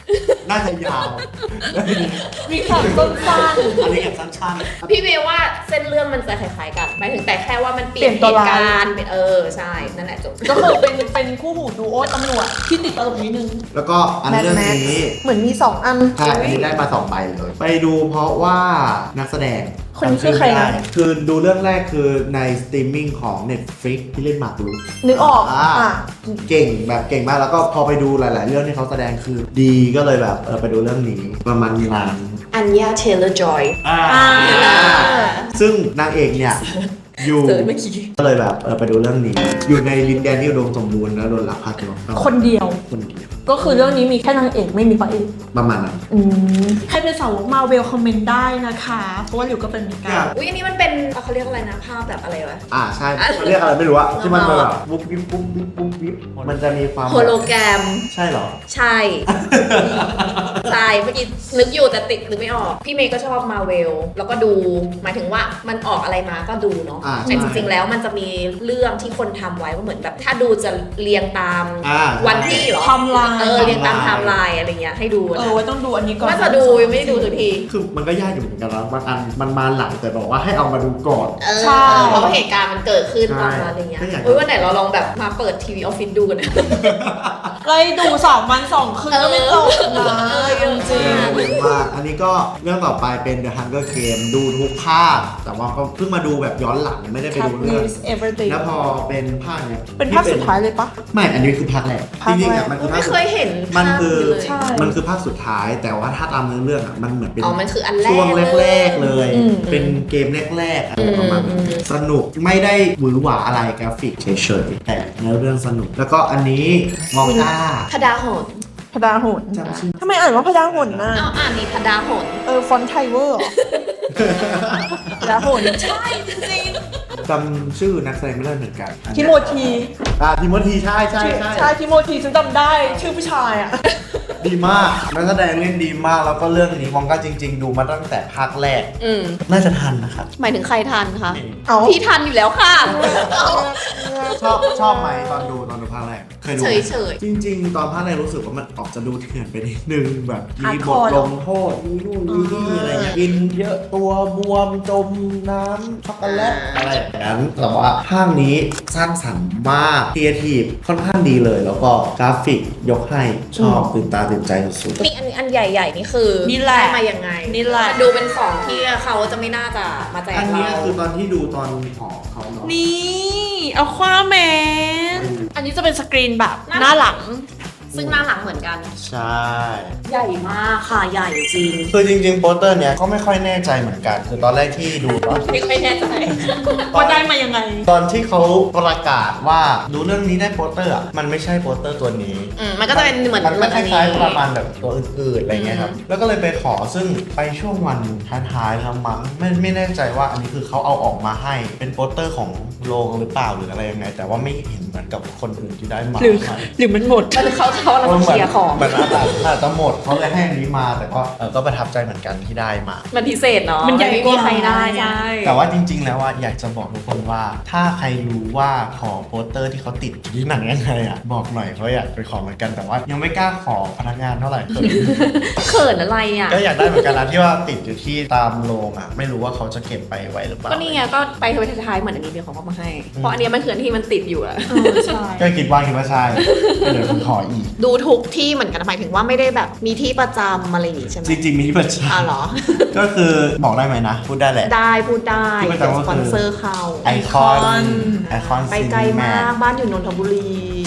[SPEAKER 2] น่าจะยาว
[SPEAKER 3] มีข่าวต้นสั้น
[SPEAKER 2] อันนี้แบบสั้นๆ
[SPEAKER 1] พี่เมย์ว่าเส้นเรื่องมันจะคล้ายๆกันหมายถึงแต่แค่ว่ามันเปลี่ยน
[SPEAKER 3] เปลี่ยนตัว
[SPEAKER 1] เหตุ
[SPEAKER 3] ร้าย
[SPEAKER 1] การณ์เป็นใช่นั่นแหละจบ
[SPEAKER 3] ก็คือเป็นคู่หูดูโอตำรวจที่ติดตลกนิดนึง
[SPEAKER 2] แล้วก็อันเรื่องนี้
[SPEAKER 3] เหมือนมี 2 อัน
[SPEAKER 2] ใช่อันนี้ได้มา2ใบเลย ไปดูเพราะว่านักแสดง
[SPEAKER 3] คนนี้คือใครนะ
[SPEAKER 2] จำชื่อไม่ได้คือดูเรื่องแรกคือในสตรีมมิ่งของ Netflix ที่เล่นหมากรุก
[SPEAKER 3] นึกออก
[SPEAKER 2] เก่งแบบเก่งมากแล้วก็พอไปดูหลาย ๆ เรื่องที่เขาแสดงคือดีก็เลยแบบไปดูเรื่องนี้ประมาณนาน
[SPEAKER 1] อัญญาเทเลอร์จอย
[SPEAKER 2] ซึ่งนางเอกเนี่ยอยู่
[SPEAKER 1] เจอเมื่อกี้
[SPEAKER 2] ก็เลยแบบไปดูเรื่องนี้ อยู่ในดินแดนที่อุดมสมบูรณ์แล้วโดนลักพาตัว
[SPEAKER 3] คนเดียว
[SPEAKER 2] คนเดียว
[SPEAKER 3] ก็คือเรื่องนี้มีแค่นางเอกไม่มีพระเอก
[SPEAKER 2] ประมาณนั้น
[SPEAKER 3] ใครเป็นสาวกมาเวลคอมเมนต์ได้นะคะ เพราะว่าหลิวก็เป็นเหมือนกัน
[SPEAKER 1] อุ้ยอันนี้มันเป็นเขาเรียกอะไรนะภาพแบบอะไรวะ
[SPEAKER 2] ใช่เขาเรียกอะไรไม่รู้อะที่มันแบบบุ๊บวิบบุ๊บวิบบุ๊บวิบมันจะมีความ
[SPEAKER 1] โฮโลแกรม
[SPEAKER 2] ใช่เหรอ
[SPEAKER 1] ใช่ ใช่เมื่อกี้นึกอยู่แต่ติดนึกไม่ออก พี่เมย์ก็ชอบมาเวลแล้วก็ดูหมายถึงว่ามันออกอะไรมาก็ดูเนาะ
[SPEAKER 2] ใช่
[SPEAKER 1] แต่จริงๆแล้วมันจะมีเรื่องที่คนทำไว้ว่าเหมือนแบบถ้าดูจะเรียงตาม วันที่เหรอ
[SPEAKER 3] ไทม์ไลน์
[SPEAKER 1] เรียงตามไทม์ไลน์อะไรเงี้ยให้ดูนะ
[SPEAKER 3] ไว้ต้องดูอันนี้ก่อน
[SPEAKER 1] ว่าจะดูยังไม่ได้ดูสักที
[SPEAKER 2] คือมันก็ยากอยู่เหมือนกันนะบางอันมันมาหลังแต่บอกว่าให้เอามาดูก่อน
[SPEAKER 3] ใช่
[SPEAKER 1] เพราะว่าเหตุการณ์มันเกิดขึ้นตอนนั้นอะไรเงี้ย
[SPEAKER 2] ก็อยากจะ
[SPEAKER 1] เฮ้ยวันไหนเราลองแบบมาเปิดทีวีออฟฟิศดูกันนะ
[SPEAKER 3] เลยดู2 วัน 2 คืนก็ไม่จบนะจริง
[SPEAKER 2] เยอะมากอันนี้ก็เรื่องต่อไปเป็น The Hunger Game ดูทุกภาคแต่ว่าก็เพิ่งมาดูแบบย้อนหลังไม่ได้ไป
[SPEAKER 3] Top
[SPEAKER 2] ดูเรื่อง
[SPEAKER 3] News Everything
[SPEAKER 2] แล้วพอเป็นภาคเนี้ย
[SPEAKER 3] เป็นภาคสุดท้ายเลยปะ
[SPEAKER 2] ไม่อันนี้คือภาคแรก
[SPEAKER 3] ภา
[SPEAKER 2] จ
[SPEAKER 3] คแรก
[SPEAKER 2] ริงๆอ่ะมันคือภา
[SPEAKER 1] ไม่
[SPEAKER 2] คสุด
[SPEAKER 1] เคยเห็น
[SPEAKER 2] มันคือ
[SPEAKER 1] ภาพเลย
[SPEAKER 3] ใช่
[SPEAKER 2] มันคือภาคสุดท้าย แต่ว่าถ้าตามเนื้อเรื่องอ่ะมันเหมือนเป็น
[SPEAKER 1] มันคืออันแรก
[SPEAKER 2] ช่วงแรกๆเลย
[SPEAKER 3] อืม
[SPEAKER 2] เป็นเกมแรกๆอะไรประมาณนั้นสนุกไม่ได้หวือหวาอะไรกราฟิกเฉยๆแต่เนื้อเรื่องสนุก แล้วก็อันนี้มองต้า
[SPEAKER 1] พดาหน
[SPEAKER 3] พดาหน
[SPEAKER 2] จำชื่อ
[SPEAKER 3] ทำไมอ่านว่าพดาหนน่ะ
[SPEAKER 1] เอาอ่านนี่พดาหน
[SPEAKER 3] ฟอนต์ไทเวอร์เหรอพดาหนใช่จริง
[SPEAKER 2] จำชื่อนักแสดงไม่ได้เหมือนกัน
[SPEAKER 3] ทิโมธี
[SPEAKER 2] ทิโมธีใช่ใช่ใช่
[SPEAKER 3] ใช่ทิโมธีฉันจำได้ชื่อผู้ชายอ่ะ
[SPEAKER 2] ดีมากนักแสดงเล่นดีมากแล้วก็เรื่องนี้มองก็จริง ๆ ดูมาตั้งแต่ภาคแรก น่าจะทันนะครับ
[SPEAKER 1] หมายถึงใครทันคะ
[SPEAKER 3] เอา
[SPEAKER 1] พี่ทันอยู่แล้วค่ะ
[SPEAKER 2] ชอบไหมตอนดูภาคแรกเคยดูไหม
[SPEAKER 1] เฉย
[SPEAKER 2] จริง ๆ ตอนภาคแรกรู้สึกว่ามันออกจะดูเถื่อนไปนิดนึงแบบมีบท
[SPEAKER 3] Hardcore
[SPEAKER 2] ลงโทษมีนู่นมีนี่อะไรเงี้ยกินเยอะตัวบวมจมน้ำช็อกโกแลตอะไรอย่างนั้นแต่ว่าภาคนี้สร้างสรรค์มากครีเอทีฟค่อนข้างดีเลย แล้วก็กราฟิกยกให้ชอบตื่นตาตื่นใจสุด
[SPEAKER 1] นี่อันใหญ่ๆนี่คือ
[SPEAKER 3] นี่แหละ
[SPEAKER 1] ได้มายังไง
[SPEAKER 3] นี่แหละ
[SPEAKER 1] ดูเป็นของที่เขาจะไม่น่าจะมาแจ
[SPEAKER 2] ๆ
[SPEAKER 1] ก
[SPEAKER 2] อันนี้
[SPEAKER 1] เรา
[SPEAKER 2] คือตอนที่ดูตอนหอเขาเนาะ
[SPEAKER 3] นี่เอาความแมนอันนี้จะเป็นสกรีนแบบหน้าหลัง
[SPEAKER 1] ซึ่งหน้าหลังเหมือนกัน
[SPEAKER 2] ใช่
[SPEAKER 1] ใหญ่มากค่ะใหญ่จริง
[SPEAKER 2] คือจริงๆโปสเตอร์เนี้ยก็ไม่ค่อยแน่ใจเหมือนกัน คือตอนแรกที่ดูตอน
[SPEAKER 1] ไม่ค่อยแน่ใจ
[SPEAKER 3] ว่าได้มายังไง
[SPEAKER 2] ตอนที่เขาประกาศว่าดูเรื่องนี้ได้โปสเตอร์อะมันไม่ใช่โปสเตอร์ตัวนี้
[SPEAKER 1] มันก็จะเป็นเหมือน
[SPEAKER 2] มันค
[SPEAKER 1] อันนี้
[SPEAKER 2] ล้ายๆประมาณแบบตัวอื่นๆอะไรเงี้ยครับ แล้วก็เลยไปขอซึ่งไปช่วงวันท้ายๆแล้วมั้งไม่แน่ใจว่าอันนี้คือเขาเอาออกมาให้เป็นโปสเตอร์ของโรงหรือเปล่าหรืออะไรยังไง แต่ว่าไม่เห็นเหมือนกับคนอื่นที่ได้มา
[SPEAKER 3] หรือมันหมด
[SPEAKER 1] มันเขาเราเคลียร์ของ
[SPEAKER 2] เหมือนอาจจะหมดเขาเลยให้อันนี้มาแต่ก็ประทับใจเหมือนกันที่ได้มา
[SPEAKER 1] มันพิเศษเนาะ
[SPEAKER 3] มันใหญ่
[SPEAKER 1] ไม่
[SPEAKER 3] ก
[SPEAKER 1] มี
[SPEAKER 3] ว่า
[SPEAKER 1] ใครได้ใช่
[SPEAKER 2] แต่ว่าจริงๆ แล้วว่าอยากจะบอกทุกคนว่า ถ้าใครรู้ว่าขอโปสเตอร์ที่เขาติดอยู่ที่หนังยังไงอ่ะบอกหน่อยเพราะอยากไปขอเหมือนกันแต่ว่ายังไม่กล้าขอพนักงานเท่าไหร่
[SPEAKER 1] เขินอะไรอ่ะ
[SPEAKER 2] ก็อยากได้เหมือนกันนะที่ว่าติดอยู่ที่ตามโรงอ่ะไม่รู้ว่าเขาจะเก็บไปไว้หรือเปล่า
[SPEAKER 1] ก็นี่ไงก็ไปทท้ายๆเหมือนอันนี้เดียวเขาก็มาให้ เพราะอันเนี้ยมันคืออันที่มันติดอยู่อะ
[SPEAKER 3] ใช่
[SPEAKER 2] ก็คิดว่าใช่เดี๋ยวผมขออีก
[SPEAKER 1] ดูทุกที่เหมือนกันหมายถึงว่าไม่ได้แบบมีที่ประจำอะไรอย่างงี้ใช่ไหม
[SPEAKER 2] จริงๆมีที่ประจ
[SPEAKER 1] เหรอ
[SPEAKER 2] ำก็คือบอกได้ไหมนะพูดได้แหละ
[SPEAKER 1] ได้พูดได้
[SPEAKER 2] ที่ประจำก็คือ
[SPEAKER 1] สปอนเซอร์เขา
[SPEAKER 2] ไอคอน
[SPEAKER 1] ไปไกลมากบ้านอยู่นนทบุรี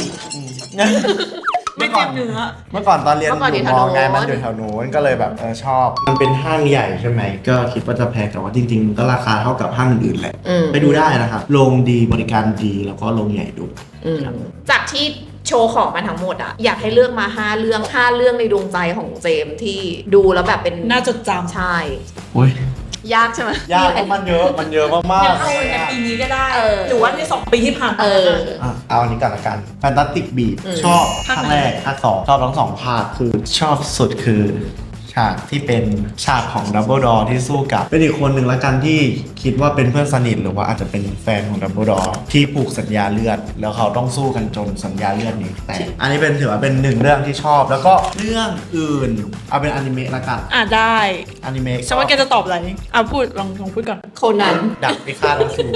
[SPEAKER 3] ไม่เจ็บเนื้อ
[SPEAKER 2] เมื่อก่อนตอนเรียน
[SPEAKER 1] เมื่อก่อน
[SPEAKER 2] อ
[SPEAKER 1] อยู่
[SPEAKER 2] ยู่
[SPEAKER 1] แถ
[SPEAKER 2] ม
[SPEAKER 1] ว
[SPEAKER 2] อ
[SPEAKER 1] โน้น
[SPEAKER 2] ไงมันอยู่แถวโน้นก็เลยแบบชอบ มันเป็นห้างใหญ่ใช่ไหมก็คิดว่าจะแพงแต่ว่าจริงๆก็ราคาเท่ากับห้างอื่นๆแหละ ไปดูได้นะครับโรงดีบริการดีแล้วก็โรงใหญ่ดู
[SPEAKER 1] จากที่โชว์ของมาทั้งหมดอะอยากให้เลือกมา5 เรื่องในดวงใจของเจมส์ที่ดูแล้วแบบเป็น
[SPEAKER 3] น่าจดจำ
[SPEAKER 1] ใช่
[SPEAKER 2] โอ้ย
[SPEAKER 1] ยากใช่ไหม
[SPEAKER 2] ยากเพราะมันเยอะมาก
[SPEAKER 3] อยาก
[SPEAKER 2] ๆ
[SPEAKER 3] เอาในปีนี้ก็ได้
[SPEAKER 1] เออ
[SPEAKER 3] หรือว่าใน2 ปีที่ผ่านมา
[SPEAKER 2] เอาอันนี้ก่อนละกันแฟนตาสติกบี
[SPEAKER 1] อืม
[SPEAKER 2] ชอบ
[SPEAKER 3] ภาค
[SPEAKER 2] ภาค
[SPEAKER 3] ไหน
[SPEAKER 2] แรกภาค 2ชอบทั้ง2ภาคคือชอบสุดคือฉฉากที่เป็นฉากของดับเบิลดอร์ที่สู้กับเป็นอีกคนหนึ่งละกันที่คิดว่าเป็นเพื่อนสนิทหรือว่าอาจจะเป็นแฟนของดับเบิลดอร์ที่ผูกสัญญาเลือดแล้วเขาต้องสู้กันจนสัญญาเลือดนี้แตกอันนี้เป็นถือว่าเป็นหนึ่งเรื่องที่ชอบแล้วก็เรื่องอื่นเอาเป็นอนิเมะละกัน
[SPEAKER 3] ได้
[SPEAKER 2] อนิเมะ
[SPEAKER 3] ฉันว่าแกจะตอบอะไรพูดลองพูดก่อน
[SPEAKER 1] โคนัน
[SPEAKER 2] ดับพิฆาตอสูร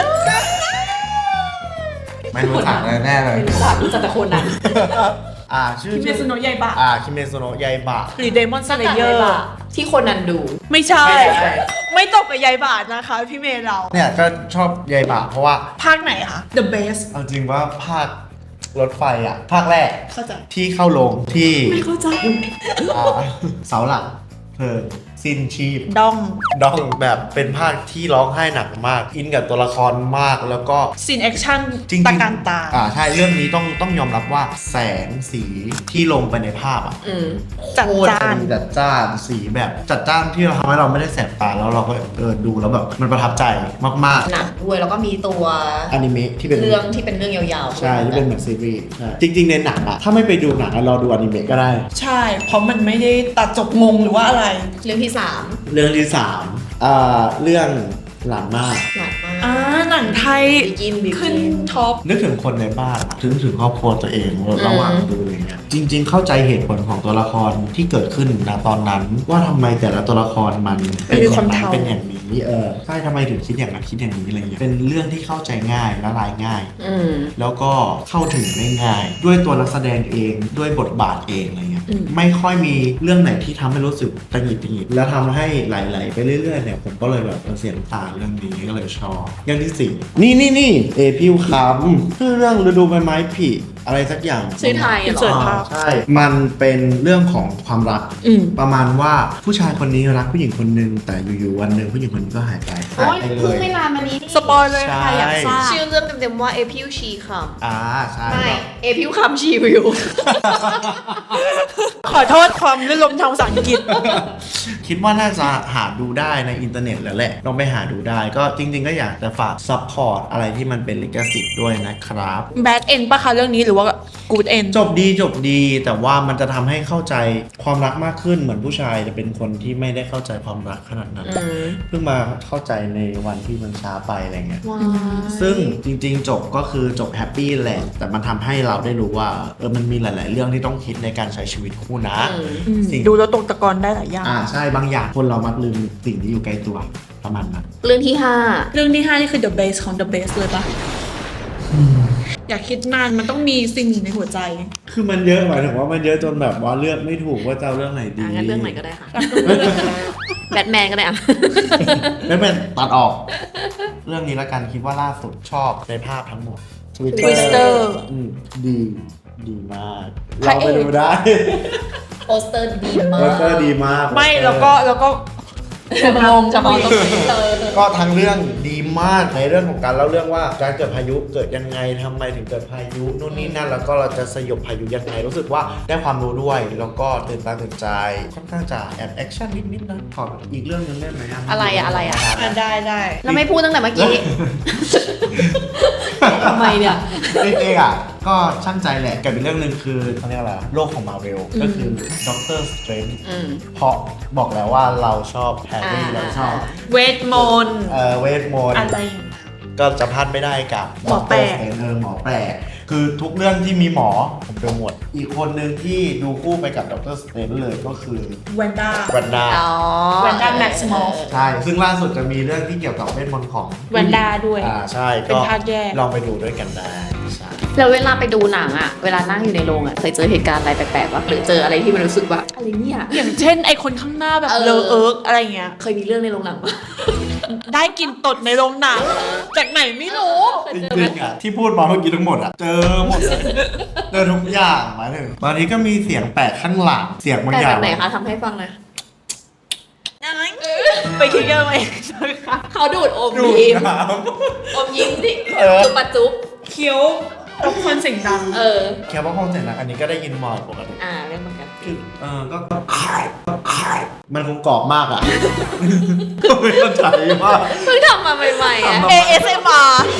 [SPEAKER 2] ไม่รู้จักแน่เลย
[SPEAKER 1] รู้จักแต่โคนัน
[SPEAKER 2] ชื่อ
[SPEAKER 3] คิเมซุโนะยายบะ
[SPEAKER 2] คิเมซุโนะยายบะ
[SPEAKER 3] หรือเดมอนสเลเยอร์
[SPEAKER 1] ที่โคนันดู
[SPEAKER 3] ไม่ใช่
[SPEAKER 2] ไม่ใช่
[SPEAKER 3] ไม่ตกกับยายบาทนะคะพี่เมย์เรา
[SPEAKER 2] เนี่ยก็ชอบยายบะเพราะว่า
[SPEAKER 3] ภาคไหนคะ The Best
[SPEAKER 2] เอาจริงว่าภาครถไฟภาคแรก
[SPEAKER 3] เข้าใจ
[SPEAKER 2] ที่เข้าลงที่
[SPEAKER 3] ไม่เข้าใจ
[SPEAKER 2] เสาหลักเพลิงสิ้นชีพ
[SPEAKER 3] ดอง
[SPEAKER 2] ดองแบบเป็นภาคที่ร้องไห้หนักมาก อินกับตัวละครมากแล้วก็
[SPEAKER 3] ซีนแอคชั่น
[SPEAKER 2] จริงๆ
[SPEAKER 3] ตะการตา
[SPEAKER 2] ใช่เรื่องนี้ต้องยอมรับว่าแสงสีที่ลงไปในภาพ
[SPEAKER 3] จัด
[SPEAKER 2] โคตร
[SPEAKER 3] จ้าน
[SPEAKER 2] จัดจ้านสีแบบจัดจ้านที่เราทำให้เราไม่ได้แสบตาแล้วเราก็ดูแล้วแบบมันประทับใจมาก
[SPEAKER 1] หนังด้วยแล้วก็มีตัว
[SPEAKER 2] ๆอนิเมะที่เป็น
[SPEAKER 1] เรื่องที่เป็นเรื่องยาวๆ
[SPEAKER 2] ใช่ที่เป็นเหมือนซีรีส์ใช่จริงๆในหนังถ้าไม่ไปดูหนังเราดูอนิเมะก็ได้
[SPEAKER 3] ใช่ เพราะมันไม่ได้ตัดจบงงหรือว่าอะไร
[SPEAKER 1] เรื่องที่
[SPEAKER 2] เรื่องที่3เรื่องหลานมาก
[SPEAKER 1] 3หนักมาก
[SPEAKER 3] หนังไทย
[SPEAKER 1] บิกิ
[SPEAKER 3] ขึ้น
[SPEAKER 1] น
[SPEAKER 3] ท็อป
[SPEAKER 2] นึกถึงคนในบ้านถึงครอบครัวตัวเองระหว่างดูอย่างเงี้ยจริง ๆ เข้าใจเหตุผลของตัวละครที่เกิดขึ้นณตอนนั้น ว่าทำไมแต่ละตัวละครมันเป็นอย่างนั้นเป็นอย่างนี้ใช่ทำไมถึงคิดอย่างนั้นคิดอย่างนี้อะไรเงี้ยเป็นเรื่องที่เข้าใจง่ายละลายง่าย แล้วก็เข้าถึงได้ง่าย ด้วยตัวนักแสดงเองด้วยบทบาทเองอะไรเงี้ยไม่ค่อยมีเรื่องไหนที่ทำให้รู้สึกตังหงิดแล้วทำให้ไหลๆไปเรื่อยๆเนี่ยผมก็เลยแบบเสียน้ำตาเรื่องนี้ก็เลยชอบเรื่องที่4นี่พิวคำคือเรื่องฤดูใบไม้ผลิอะไรสักอย่าง
[SPEAKER 1] ชื่อไทยเหร
[SPEAKER 3] เสิร์ช
[SPEAKER 1] อ
[SPEAKER 3] ภาพ
[SPEAKER 2] ใช่มันเป็นเรื่องของความรักประมาณว่าผู้ชายคนนี้รักผู้หญิงคนหนึ่งแต่อยู่ๆวันหนึ่งผู้หญิงคนนี้ก็หายไป
[SPEAKER 1] โอ้ย
[SPEAKER 2] เล
[SPEAKER 1] เพิ่ง
[SPEAKER 2] ย
[SPEAKER 1] ไม่นานมานี้
[SPEAKER 3] สปอยเลย
[SPEAKER 2] ใช่
[SPEAKER 3] ค่ะอยากทราบ
[SPEAKER 1] ชื่อเรื่องเต็มๆว่าเอพิวชีค
[SPEAKER 2] ใช่
[SPEAKER 1] ำไม่เอพิวคำชีวิว
[SPEAKER 3] ขอโทษความลื่นลมทางภาษาอังกฤษ
[SPEAKER 2] คิดว่าน่าจะหาดูได้ในอินเทอร์เน็ตแล้วแหละลองไปหาดูได้ก็จริงๆก็อยากจะฝากซัพพอร์ตอะไรที่มันเป็นลิขสิทธิ์ด้วยนะครับ
[SPEAKER 3] แบดเอ็นปะคะเรื่องนี้หรือว่ากูดเอ็น
[SPEAKER 2] จบดีแต่ว่ามันจะทำให้เข้าใจความรักมากขึ้นเหมือนผู้ชายจะเป็นคนที่ไม่ได้เข้าใจความรักขนาดนั้นเพิ่งมาเข้าใจในวันที่มันช้าไปอะไรเงี้ยซึ่งจริงๆจบก็คือจบแฮปปี้แหละแต่มันทำให้เราได้รู้ว่ามันมีหลายๆเรื่องที่ต้องคิดในการใช้ชีวิตคู่นะสิ่ง
[SPEAKER 3] ดูแล้วตกตะกอนได้หลายอย่าง
[SPEAKER 2] ใช่บางอย่างคนเรามักลืมสิ่งที่อยู่ใกล้ตัวประมาณนั้น
[SPEAKER 1] เรื่องที่
[SPEAKER 3] เรื่องที่ 5 นี่คือ the base ของ the base เลยปะอย่าคิดนานมันต้องมีสิ่งในหัวใจ
[SPEAKER 2] คือมันเยอะหมายถึงว่ามันเยอะจนแบบว่าเลือกไม่ถูกว่าจะเอาเรื่องไหนดี
[SPEAKER 1] งั้นเรื่องไหนก็ได้ค่ะ แบทแมนก็ได้อ่ะ
[SPEAKER 2] ไม่เป็นตัดออก เรื่องนี้ละกันคิดว่าล่าสุดชอบในภาพทั้งหมด
[SPEAKER 3] Twister
[SPEAKER 2] ดีมาก
[SPEAKER 3] พระ
[SPEAKER 2] เรา
[SPEAKER 3] เอก
[SPEAKER 2] ไปดูได้
[SPEAKER 1] โปสเตอร์ดีมา
[SPEAKER 2] โปสเตอร์ดีมาก
[SPEAKER 3] ไม่แล้วก็
[SPEAKER 1] งงเฉพาะตรงนี้เลย
[SPEAKER 2] ก็ทั้งเรื่องดีมากในเรื่องของการเล่าเรื่องว่าการเกิดพายุเกิดยังไงทำไมถึงเกิดพายุนู่นนี่นั่นแล้วก็เราจะสยบพายุยังไงรู้สึกว่าได้ความรู้ด้วยแล้วก็ตื่นตาตื่นใจค่อนข้างจะแอบแอคชั่นนิดๆนะขออีกเรื่องนึงได้ไหม
[SPEAKER 1] อะไรอะ
[SPEAKER 3] ได้
[SPEAKER 1] แล้วไม่พูดตั้งแต่เมื่อกี้ ทำไมเนี่ย
[SPEAKER 2] เองก็ช่างใจแหละกับอีกเรื่องหนึ่งคือเขาเรียกอะไรโลกของมาเวลก็คือด็อกเตอร์สเตรนจ์เพราะบอกแล้วว่าเราชอบแฮร์รี่เราชอบ
[SPEAKER 3] เวทมนต์
[SPEAKER 2] เวทมนต์
[SPEAKER 3] อะไร
[SPEAKER 2] ก็จะพลาดไม่ได้กับ
[SPEAKER 3] หมอแปลก
[SPEAKER 2] หมอแปลกคือทุกเรื่องที่มีหมอผมดูหมดอีกคนหนึ่งที่ดูคู่ไปกับด็อกเตอร์สเตรนจ์เลยก็คือ
[SPEAKER 3] แวนด้า
[SPEAKER 2] แวนด้า
[SPEAKER 3] แวนด้าแม็กซิมอล
[SPEAKER 2] ใช่ซึ่งล่าสุดจะมีเรื่องที่เกี่ยวกับเวทมนต์ของ
[SPEAKER 3] แวนด้าด้วย
[SPEAKER 2] ใช่
[SPEAKER 3] เป็นภาคแยก
[SPEAKER 2] ลองไปดูด้วยกันได้ใช่
[SPEAKER 1] แล้วเวลาไปดูหนังอะเวลานั่งอยู่ในโรงอะเคยเจอเหตุการณ์อะไรแปลกๆวะหรือเจออะไรที่มันรู้สึกว่าอะไรเนี่ย
[SPEAKER 3] อย่างเช่นไอคนข้างหน้าแบบเลอะเอิร์กอะไรเงี้ย
[SPEAKER 1] เคยมีเรื่องในโรงหนังปะ
[SPEAKER 3] ได้กินตดในโรงหนังจากไหนไม่รู้
[SPEAKER 2] จริงๆที่พูดมาเมื่อกี้ทั้งหมดเจอหมดเลยเจอทุกอย่างหมายถึงบางทีก็มีเสียงแปลกข้างหลังเสียงบาง
[SPEAKER 1] แต่
[SPEAKER 2] อย่า
[SPEAKER 1] แบ
[SPEAKER 2] ง
[SPEAKER 1] บไหนคะทำให้ฟังหน่อย
[SPEAKER 3] ไปคิดเยอะไหม
[SPEAKER 1] เขาดูดอม
[SPEAKER 2] ดู
[SPEAKER 1] ยิ้ม
[SPEAKER 2] น้
[SPEAKER 1] อมยิ้มที่
[SPEAKER 2] เออ
[SPEAKER 1] จุบปะจุ๊บ
[SPEAKER 3] เคี้ยวรบกวนเสียงดัง
[SPEAKER 2] แค่ว่าห้องเสียงดังอันนี้ก็ได้ยินบ่อยปกติ
[SPEAKER 1] เรื่องเหมือนกัน
[SPEAKER 2] คือก็มันคงกรอบมากอ่ะ ก็ไม่เข้าใจว่า
[SPEAKER 1] เพิ่งทำมาใหม่ๆอะ
[SPEAKER 3] ASMR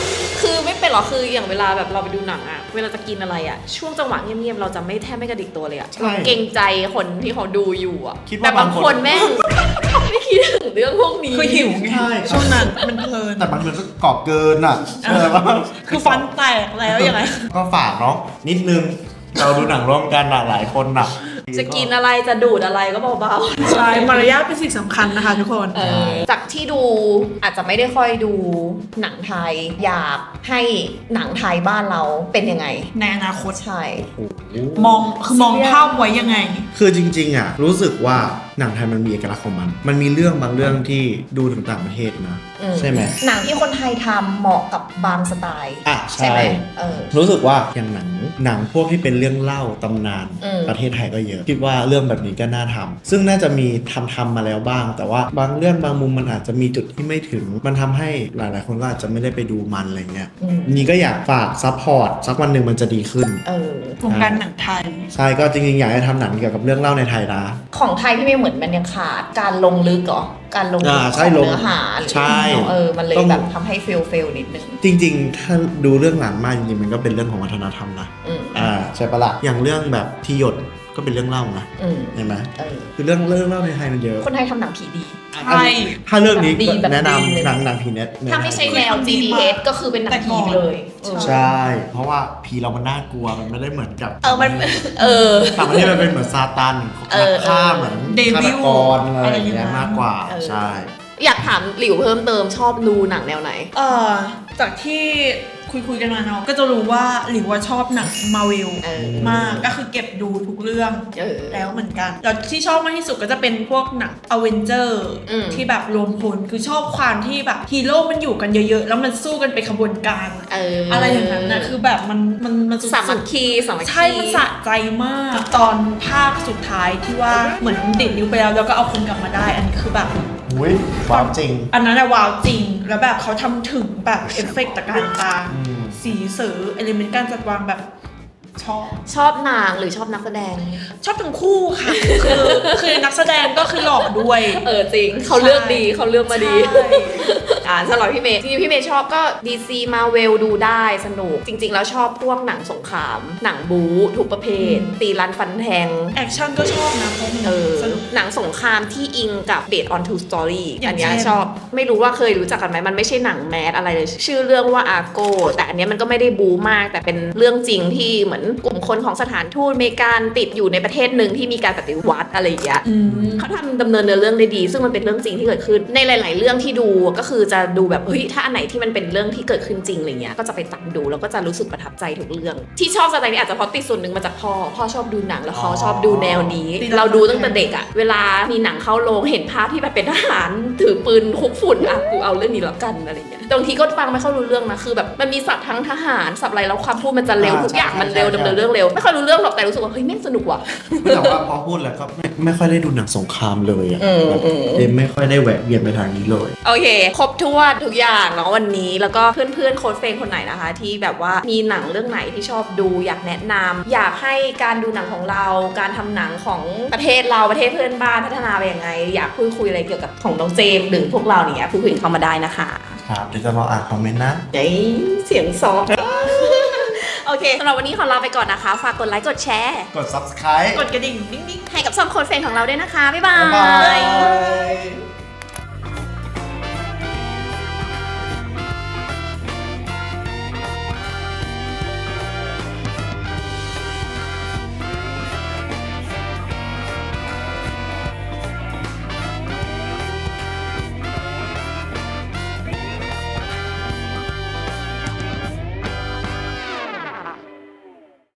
[SPEAKER 1] คือไม่เป็นหรอกคืออย่างเวลาแบบเราไปดูหนังอะเวลาจะกินอะไรอะช่วงจังหวะเงียบๆเราจะไม่แทบไม่กระดิกตัวเลยอะ
[SPEAKER 2] ใช่
[SPEAKER 1] เกรงใจคนที่เขาดูอยู่อะ
[SPEAKER 2] คิดว่า
[SPEAKER 1] แต่บาง
[SPEAKER 2] บาง
[SPEAKER 1] ค
[SPEAKER 2] คน น
[SPEAKER 1] แม่ง ไม่คิดถึงเรื่องพวกนี้
[SPEAKER 3] คือหิวไง
[SPEAKER 2] ใช่
[SPEAKER 3] ช่วงนั้นมันเพลิน
[SPEAKER 2] แต่บางทีมันก็กรอบเกินอ่ะว่า
[SPEAKER 3] คือฟันแตกแล้วยังไง
[SPEAKER 2] ก็ฝากเนาะนิดนึงเราดูหนังร่วมกันอะหลายคนอะ
[SPEAKER 1] จะกินอะไรจะดูดอะไรก็เบาๆ
[SPEAKER 3] ใช่ มารยาทเป็นสิ่งสำคัญนะคะทุกคน
[SPEAKER 1] จากที่ดูอาจจะไม่ได้ค่อยดูหนังไทย อยากให้หนังไทยบ้านเราเป็นยังไง
[SPEAKER 3] ในอนาคต
[SPEAKER 1] ใช่
[SPEAKER 3] มองภาพไว้ยังไง
[SPEAKER 2] คือจริงๆอ่ะรู้สึกว่าหนังไทยมันมีเอกลักษณ์ของมัน มันมีเรื่องบางเรื่องที่ดูถึงต่างประเทศนะใช่ไหม
[SPEAKER 1] หนังที่คนไทยทำเหมาะกับบางสไตล์
[SPEAKER 2] อ่ะ
[SPEAKER 1] ใช่ไหมเ
[SPEAKER 2] รู้สึกว่าอย่างหนังพวกที่เป็นเรื่องเล่าตำนาน ประเทศไทยก็เยอะคิดว่าเรื่องแบบนี้ก็น่าทำซึ่งน่าจะมีทำมาแล้วบ้าง แต่ว่าบางเรื่องบางมุมมันอาจจะมีจุดที่ไม่ถึงมันทำให้หลายๆคนก็อาจจะไม่ได้ไปดูมันอะไรเงี้ยนี่ก็อยากฝากซัพพอร์ตสักวันหนึ่งมันจะดีขึ้น
[SPEAKER 3] วงการหนังไทย
[SPEAKER 2] ใช่ก็จริงๆอยากให้ทำหนังเกี่ยวกับเรื่องเล่าในไทยนะ
[SPEAKER 1] ของไทยที่ไม่เหมือนมันยังขาดการลงลึกเหรอการลงลึก
[SPEAKER 2] ใช่
[SPEAKER 1] ของ
[SPEAKER 2] ลง
[SPEAKER 1] เนื้อหา
[SPEAKER 2] ใช่
[SPEAKER 1] มันเลย
[SPEAKER 2] ต้อง
[SPEAKER 1] แบบทำให้เฟลนิดนึง
[SPEAKER 2] จริงๆ ถ้าดูเรื่องหลังมากจริงๆ มันก็เป็นเรื่องของวัฒนธรรมนะ ใช่ปะละ่ะอย่างเรื่องแบบที่หยดก็เป็นเรื่องเล่านะเห็นไหมคือเรื่องเล่าในไทยมันเยอะ
[SPEAKER 1] คนไทยทำหนังผีดี
[SPEAKER 3] ใช่
[SPEAKER 2] ถ้าเรื่องนี้
[SPEAKER 1] แบบดีแบบ
[SPEAKER 2] แนะ
[SPEAKER 1] ดีเลย
[SPEAKER 2] นำหนังผีเน็ต
[SPEAKER 1] ถ้าไม่ใช่แนว GDH ก็คือเป็นหนังผีไปเลย
[SPEAKER 2] ใช่ เพราะว่าผีเรามันน่ากลัวมันไม่ได้เหมือนกับ
[SPEAKER 1] มัน
[SPEAKER 2] ต่างประเทศมันเป็นเหมือนซาตานนักฆ่าเหมือน
[SPEAKER 3] เดวิ
[SPEAKER 2] ฆาต
[SPEAKER 3] ล
[SPEAKER 2] กรอะไรอย่างเงี้ยมากกว่าใช่
[SPEAKER 1] อยากถามหลิวเพิ่มเติมชอบดูหนังแนวไหน
[SPEAKER 3] จากที่คุยกันมาเนาะก็จะรู้ว่าหรือว่าชอบหนังมาเวลมากก็คือเก็บดูทุกเรื่องแล้วเหมือนกันแล้วที่ชอบมากที่สุดก็จะเป็นพวกหนังอเวนเจอร์ที่แบบรวมพลคือชอบความที่แบบฮีโร่มันอยู่กันเยอะๆแล้วมันสู้กันเป็นขบวนการอะไรอย่างนั้นนะคือแบบมันสุดๆ
[SPEAKER 1] สามัคคี
[SPEAKER 3] ใช่มันสะใจมากตอนภาคสุดท้ายที่ว่าเหมือนดิดนิ้วไปแล้วก็เอาคนกลับมาได้อันนี้คือแบบ
[SPEAKER 2] อุ้ยความจริง
[SPEAKER 3] อันนั้นอะว้าวจริงแล้วแบบเขาทำถึงแบบเอฟเฟกต์ตะการตาสีเสือเอลิเมนต์การจัดวางแบบชอบ
[SPEAKER 1] หนังหรือชอบนักแสดง
[SPEAKER 3] ชอบทั้งคู่ค่ะ คือนักแสดงก็คือหล่อด้วย
[SPEAKER 1] จริงเขาเลือกดีเขาเลือกมาดีสำหรับพี่เมย์ที่พี่เมย์ชอบก็ DC Marvel ดูได้สนุกจริงๆแล้วชอบพวกหนังสงครามหนังบู๊ทุกประเภทตีรันฟันแทง
[SPEAKER 3] แอคชั่นก็ชอบนะ
[SPEAKER 1] หนังสงครามที่อิงกับ based on true story อันนี้ชอบไม่รู้ว่าเคยรู้จักกันไหมมันไม่ใช่หนังแมสอะไรเลยชื่อเรื่องว่า Argo แต่อันนี้มันก็ไม่ได้บู๊มากแต่เป็นเรื่องจริงที่เหมือนกลุ่มคนของสถานทูตอเมริกันติดอยู่ในประเทศหนึ่งที่มีการปฏิวัติอะไรอย่างเงี้ยเขาทำดำเนินเรื่องได้ดีซึ่งมันเป็นเรื่องจริงที่เกิดขึ้นในหลายๆเรื่องที่ดูก็คือจะดูแบบเฮ้ยถ้าอันไหนที่มันเป็นเรื่องที่เกิดขึ้นจริงอะไรเงี้ยก็จะไปตามดูแล้วก็จะรู้สึกประทับใจทุกเรื่องที่ชอบสไตล์นี้อาจจะเพราะติดส่วนหนึ่งมาจากพ่อชอบดูหนังแล้วเขาชอบดูแนวนี้เราดูตั้งแต่เด็กอะเวลามีหนังเข้าโรงเห็นภาพที่แบบเป็นทหารถือปืนคุกฝุ่นอ่ะกูเอาเรื่องนี้แล้วกันอะไรเงี้ยบางทีก็ฟังไม่ค่อยรู้เรื่องนะคือแบบมันมีศัพท์ทั้งทหารศัพท์อะไรแล้วความพูดมันจะเร็วทุกอย่างมันเร็วดำเนินเรื่องเร็วไม่ค่อยรู้เรื่องหรอกแต่รู้สึกว่าเฮ้ยแม่งสนุกว่ะ
[SPEAKER 2] แต่ว่าพอพูดแล้วก็ไม่ค่อยได้ดูหนังสงครามเลยอ่ะไม่ค่อยได้แหวะเวียนไปทางนี้เลย
[SPEAKER 1] โอเคครบถ้วนทุกอย่างเนาะวันนี้แล้วก็เพื่อนๆโค้ชเฟนคนไหนนะคะที่แบบว่ามีหนังเรื่องไหนที่ชอบดูอยากแนะนำอยากให้การดูหนังของเราการทำหนังของประเทศเราประเทศเพื่อนบ้านพัฒนาไปยังไงอยากพูดคุยอะไรเกี่ยวกับของน้องเจมส์หรือพวกเราเนี่ยพูดคุยเข้ามาได้นะคะ
[SPEAKER 2] ครับเดี๋ยวจะรออ่านคอมเมนต์นะ
[SPEAKER 1] เสียงซอฟโอเคสำหรับวันนี้ขอลาไปก่อนนะคะฝากกดไลค์กดแชร์
[SPEAKER 2] กด Subscribe
[SPEAKER 3] กดกระดิ่งนิ่งๆ
[SPEAKER 1] ให้กับช่องโค้ชเฟนของเราด้วยนะคะบ๊ายบาย